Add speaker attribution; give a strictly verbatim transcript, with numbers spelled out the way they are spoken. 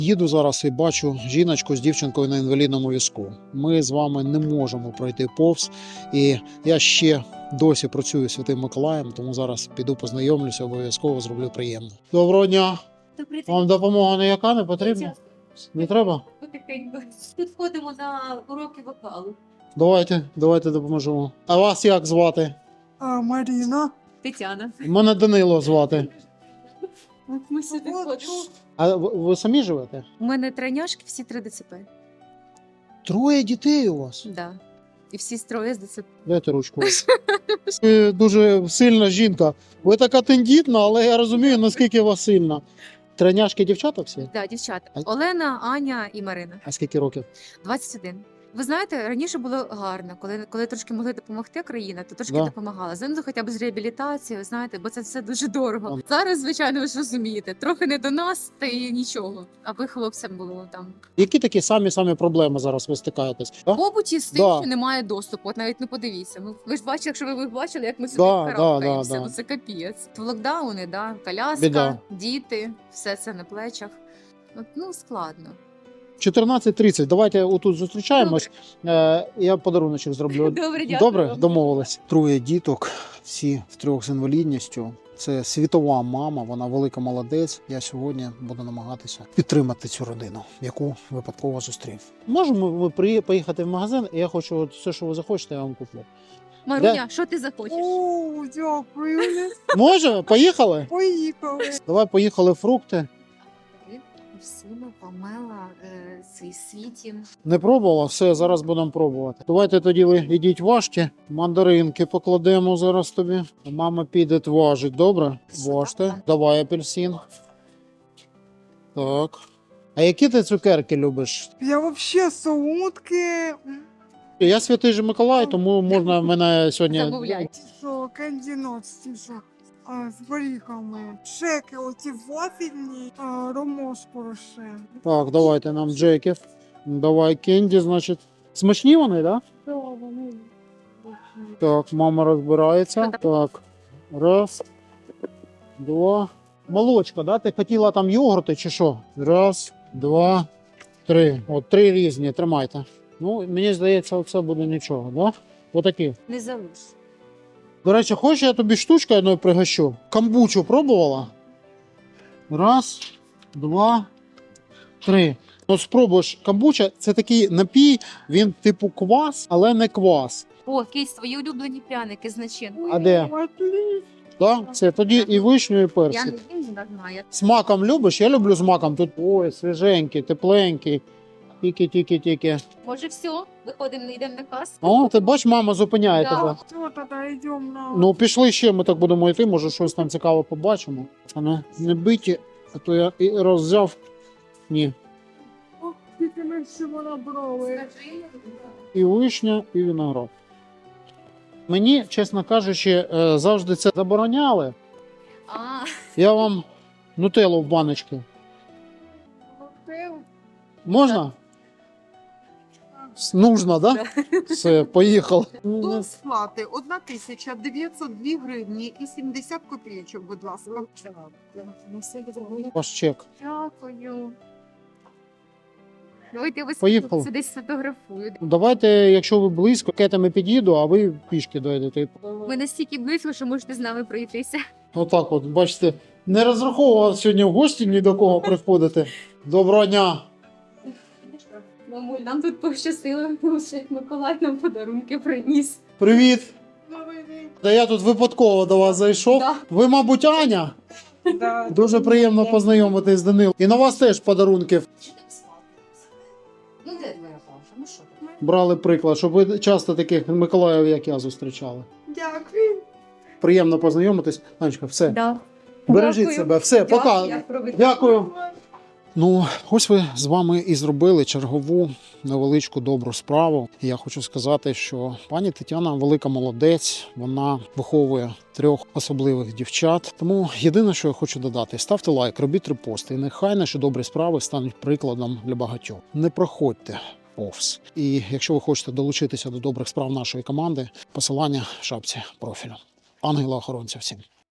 Speaker 1: Їду зараз і бачу жіночку з дівчинкою на інвалідному візку. Ми з вами не можемо пройти повз. І я ще досі працюю Святим Миколаєм, тому зараз піду познайомлюся, обов'язково зроблю приємно. Доброго дня!
Speaker 2: Добрий день.
Speaker 1: Вам допомога ніяка не потрібна? Не треба?
Speaker 2: Потихеньку. Тут ходимо на уроки вокалу.
Speaker 1: Давайте, давайте допоможемо. А вас як звати?
Speaker 3: А, Марина.
Speaker 2: Тетяна.
Speaker 1: Мене Данило звати.
Speaker 2: От ми сюди ходимо.
Speaker 1: А ви, ви самі живете?
Speaker 2: У мене тройняшки, всі три ДЦП.
Speaker 1: Троє дітей у вас?
Speaker 2: Да. І всі троє з ДЦП.
Speaker 1: Дайте ручку. Ви дуже сильна жінка. Ви така тендітна, але я розумію, наскільки ви сильна. Тройняшки дівчата всі?
Speaker 2: Да, дівчата.
Speaker 1: А-
Speaker 2: Олена, Аня і Марина.
Speaker 1: А скільки років?
Speaker 2: двадцять один. Ви знаєте, раніше було гарно, коли, коли трошки могли допомогти країна, то трошки
Speaker 1: Да.
Speaker 2: допомагала. Зараз хоча б з реабілітацією, знаєте, бо це все дуже дорого.
Speaker 1: Ам.
Speaker 2: Зараз, звичайно, ви ж розумієте, трохи не до нас, та й нічого. Аби хлопцям було там.
Speaker 1: Які такі самі-самі проблеми зараз ви стикаєтесь? Да?
Speaker 2: В побуті з тим,
Speaker 1: Да.
Speaker 2: що немає доступу. От навіть не подивіться. Ми ви ж бачили, якщо ви, ви бачили, як ми сюди
Speaker 1: Да, да,
Speaker 2: карабкаємося.
Speaker 1: да, да.
Speaker 2: Ну це капець. Локдауни, да, коляска,
Speaker 1: Біда.
Speaker 2: діти, все це на плечах. От, ну складно.
Speaker 1: чотирнадцять тридцять. Давайте отут зустрічаємось. Е, я подаруночок зроблю.
Speaker 2: Добре, дякую.
Speaker 1: Добре, домовились. Троє діток, всі втрьох з інвалідністю. Це світова мама, вона велика молодець. Я сьогодні буду намагатися підтримати цю родину, яку випадково зустрів. Можемо ми при- поїхати в магазин, і я хочу от все, що ви захочете, я вам куплю.
Speaker 2: Маруня, що ти захочеш?
Speaker 3: О, дякую.
Speaker 1: Може, поїхали?
Speaker 3: Поїхали.
Speaker 1: Давай поїхали фрукти.
Speaker 2: Всіма помела е, цей світі.
Speaker 1: Не пробувала? Все, зараз будемо пробувати. Давайте тоді ви ідіть важте. Мандаринки покладемо зараз тобі. Мама піде важить, добре? Важте. Давай апельсин. Так. А які ти цукерки любиш?
Speaker 3: Я вообще солодке.
Speaker 1: Я святий же Миколай, тому можна мене сьогодні.
Speaker 2: Замовляй.
Speaker 3: Що, кандінот, що, а, з горіхами. Шеки, оці вафельні, а, ромош порошен.
Speaker 1: Так, давайте нам джеків. Давай кенді, значить. Смачні вони, так?
Speaker 3: Що вони?
Speaker 1: Так, мама розбирається. Так. Раз. Два. Молочко, да? Ти хотіла там йогурти чи що? Раз, два, три. От три різні, тримайте. Ну, мені здається, це буде нічого, да? Отакі.
Speaker 2: Не залиш.
Speaker 1: До речі, хочеш, я тобі штучку одною пригощу? Камбучу пробувала? Раз, два, три. Ну, спробуєш, камбуча – це такий напій, він типу квас, але не квас.
Speaker 2: О, якісь твої улюблені пряники з начинкою.
Speaker 1: А де?
Speaker 3: Отлично.
Speaker 1: Да? Це тоді і вишню, і
Speaker 2: Я
Speaker 1: персик.
Speaker 2: не їм, не знаю.
Speaker 1: З маком любиш? Я люблю з маком. Тут ой, свіженький, тепленький. Тільки-тільки-тільки.
Speaker 2: Може, все, виходимо, йдемо на касу.
Speaker 1: О, ти бач, мама зупиняє
Speaker 2: Да.
Speaker 1: тебе.
Speaker 3: Що тоді йдемо на...
Speaker 1: Ну, пішли ще, ми так будемо йти, може щось там цікаве побачимо. А не, не биті, а то я і роззяв. Ні.
Speaker 3: Ох, тільки ми всього набрали.
Speaker 1: І вишня, і виноград. Мені, чесно кажучи, е, завжди це забороняли.
Speaker 2: А,
Speaker 1: Я вам нутеллу в баночки.
Speaker 3: Коктейль.
Speaker 1: Можна? Нужно, да? Все, поїхали.
Speaker 4: До сплати одна тисяча дев'ятсот дві гривні і сімдесят копійочок, будь ласка.
Speaker 1: Ваш чек.
Speaker 2: дякую. Давайте я вас
Speaker 1: Поїхали.
Speaker 2: сюди сфотографую.
Speaker 1: Давайте, якщо ви близько, кетами під'їду, а ви пішки дойдете.
Speaker 2: Ви настільки близько, що можете з нами пройтися.
Speaker 1: Отак от, бачите, не розраховував сьогодні в гості ні до кого приходити. Доброго дня!
Speaker 2: Мамуль, нам тут пощастило, тому що Миколай нам подарунки приніс.
Speaker 1: Привіт!
Speaker 3: Новий день.
Speaker 1: Та я тут випадково до вас зайшов.
Speaker 2: Да.
Speaker 1: Ви, мабуть, Аня?
Speaker 3: Да.
Speaker 1: Дуже приємно познайомитись з Данилом. І на вас теж подарунки.
Speaker 2: Що ти спати? Ну, де твоя паша? Ну що ти?
Speaker 1: Брали приклад, щоб ви часто таких Миколаїв, як я, зустрічали.
Speaker 3: Дякую.
Speaker 1: Приємно познайомитись. Анечка, все.
Speaker 2: Да.
Speaker 1: Бережіть
Speaker 2: Дякую.
Speaker 1: себе. Все, пока.
Speaker 2: Дякую.
Speaker 1: Дякую. Ну, ось ви з вами і зробили чергову невеличку добру справу. І я хочу сказати, що пані Тетяна велика молодець, вона виховує трьох особливих дівчат. Тому єдине, що я хочу додати, ставте лайк, робіть репости, і нехай наші добрі справи стануть прикладом для багатьох. Не проходьте повз. І якщо ви хочете долучитися до добрих справ нашої команди, посилання в шапці профілю. Ангела-охоронця всім.